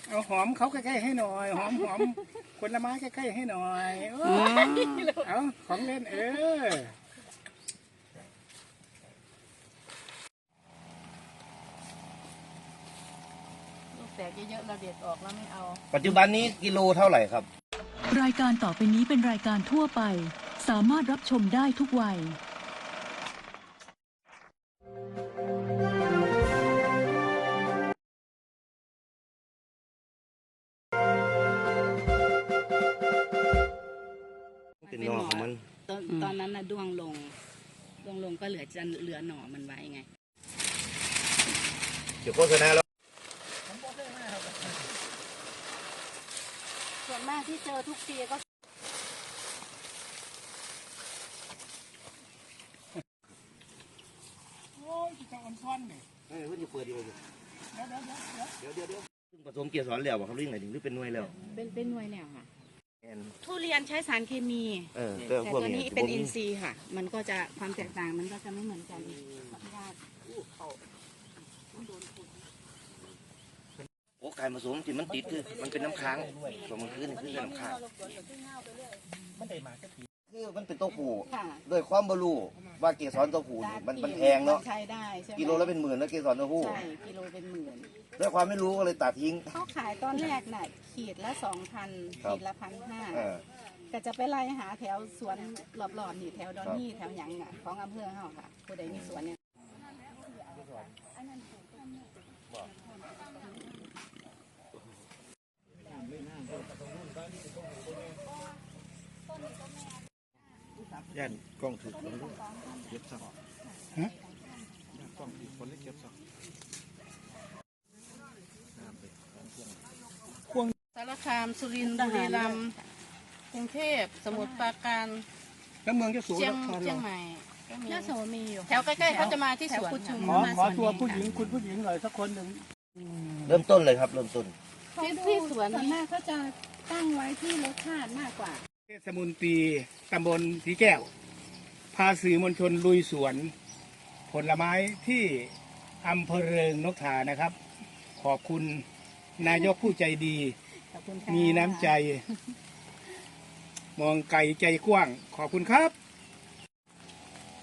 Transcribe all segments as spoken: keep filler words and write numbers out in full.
เอาหอมเขาใกล้ๆให้หน่อยหอมหอมผลไม้ใกล้ๆให้หน่อยเอาของเล่นเออลูกแตกเยอะๆเราเด็ดออกแล้วไม่เอาปัจจุบันนี้กิโลเท่าไหร่ครับรายการต่อไปนี้เป็นรายการทั่วไปสามารถรับชมได้ทุกวัยเป็นหน่อของมันตอนตอนนั้นน่ะด้วงลงด้วงลงก็เหลือจะเหลือหน่อมันไว้ไงเดี๋ยวโฆษณาแล้วส่วนมากที่เจอทุกปีก็โอ้ยจะอ่อนซ้อนเนี่ยเฮ้ยเพิ่งจะเปิดอยู่เดี๋เดี๋ยวเดี๋ยวเดี๋ยวยวเดี๋ยวผสมเกสรแล้วครับเรื่องไหนถึงหรือเป็นหน่วยแล้วเป็นเป็นหน่วยแล้วค่ะทุเรียนใช้สารเคมีแต่ตัวนี้เป็นอินทรีย์ค่ะมันก็จะความแตกต่างมันก็จะไม่เหมือนกันโอ้ไก่ผสมที่มันติดคือมันเป็นน้ำค้างสมมันคือนี่คือน้ำค้างคือมันเป็นตัวผู้ด้วยความบรูว่าเกสรตัวผู้มันมันแพงเนาะใช้ได้กิโลละเป็นหมื่นแล้วเกสรตัวผู้ใช่กิโลเป็นหมื่นด้วยความไม่รู้ก็เลยตัดทิ้งเขาขายตอนแรกน่ะขีดละสองพันขีดละพันห้าก็จะไปไล่หาแถวสวนรอบๆนี่แถวดอนนี่แถวหยังอ่ะของอำเภอเขาค่ะผู้ใดมีสวนเนี่ยย่านกล้องถือคนเก็บสักฮะกล้องถือคนเล็กเก็บสักสารคามสุรินทร์บุรีรัมย์กรุงเทพสมุทรปราการแล้วเมืองจะสูงเชียงเชียงใหม่ยะโสมีอยู่แถวใกล้ๆเขาจะมาที่สวนขอขอตัวผู้หญิงคุณผู้หญิงหน่อยสักคนหนึ่งเริ่มต้นเลยครับเริ่มต้นที่ที่สวนนี้เขาจะตั้งไว้ที่รสชาติมากกว่าเทศมนตรีตำบลสีแก้วพาสื่อมวลชนลุยสวนผลไม้ที่อำเภอเริงนกทานะครับขอบคุณนายกผู้ใจดีมีน้ำใจมองไกลใจกว้างขอบคุณครับ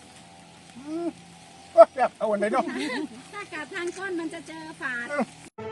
เอาวันไหนเนาะถ้ากัดทางก้นมันจะเจอฝาด